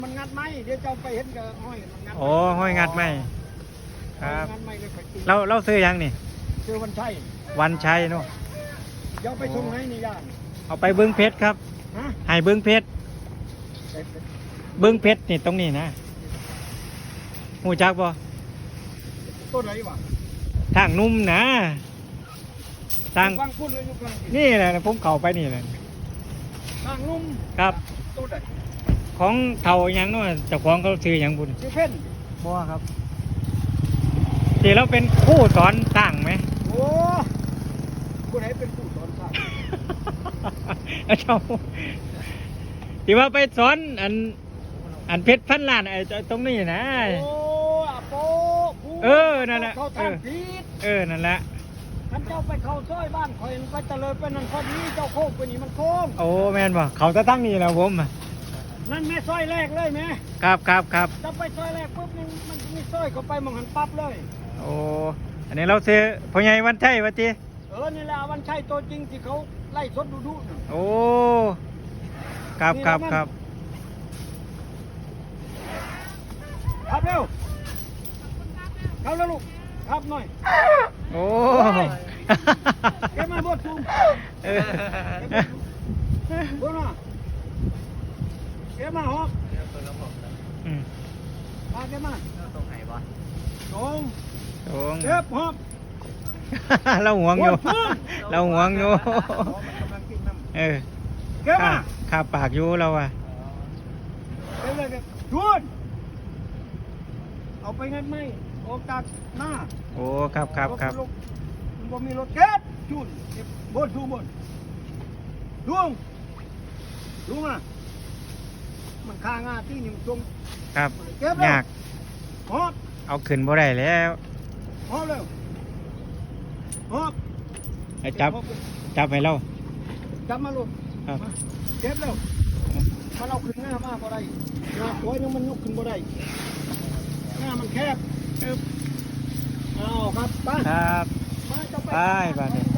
มันงัดไหมเดี๋ยวเจ้าไปเห็นกับห้อยมันงัดโอ้ห้อยงัดไหมครับงัดไหมเลยไปตีเราซื้อยังนี่ซื้อวันชัยวันชัยเนาะเดี๋ยวไปส่งไหนนี่ย่านเอาไปบึงเพชรครับฮะให้บึงเพชรบึงเพชรนี่ตรงนี้นะหูจักบ่ต้นไหนวะทางนุ่มนะทางฟังพูดเลยอยู่กลางนี่แหละผมเข้าไปนี่แหละทางนุ่มครับต้นไหนของเท่าหยังเนาะเจ้าของเขาซื้อหยังบุญชื่อเพ่นบ่ครับที่เราเป็นผู้สอนสร้างไหมโอ้ผู้ไหนเป็นผู้สอนสร้างเอาเจ้าที่ว่าไปสอนอันเพชรพันล้านไอ้ตรงนี้นะโอ้อาโปผู้เออนั่นแหละเขาทางผิดนั่นแหละท่านเจ้าไปเข้าซอยบ้านคอยไปเจริญไปนั่นพอดีเจ้าโค้งไปนี่มันโค้งโอ้แม่นบ่เขาจะตั้งนี่แล้วผมอะนั่นแม่ซอยแรกเลยแม่ครับครับครับจะไปซอยแรกปุ๊บมันมีซอยเข้าไปมองหันปั๊บเลยโอ้อันนี้เราซื้อพ่อใหญ่วันชัยวะจีนี่แหละวันชัยตัวจริงที่เขาไล่สดดูน่ะโอ้ครับครับครับครับเร็วครับแล้วลูกครับหน่อยโอ้เก็บมาบดซูมเออบดมาเก็บมาฮอกอืมมาเก็บมาตรงไหนวะตรงโอ้เก็บฮอกเราห่วงอยู่ เราห่วงอยู่กำลังกินน้ำเออเก็บมาข้าปากอยู่เราอะเก็บเลยเก็บชวน เอาไปงั้นไหมออกจากหน้าโอ้ครับครับครับมันบ่มีรถเก็บจุนเก็บบนดูบนลุงลุงอ่ะมันคางาที่หนึ่งตรงครับเก็บแล้วยากฮอบเอาขึ้นบ่ได้แล้วฮอบเร็วฮอบให้จับให้เราจับมาลูกครับมาเก็บแล้วถ้าเราขึ้นหน้ามาบ่ได้หน้าโอยนึงมันยกขึ้นบ่ได้หน้ามันแคบเอาครับไปครับมาเจ้าไปบ้านนี้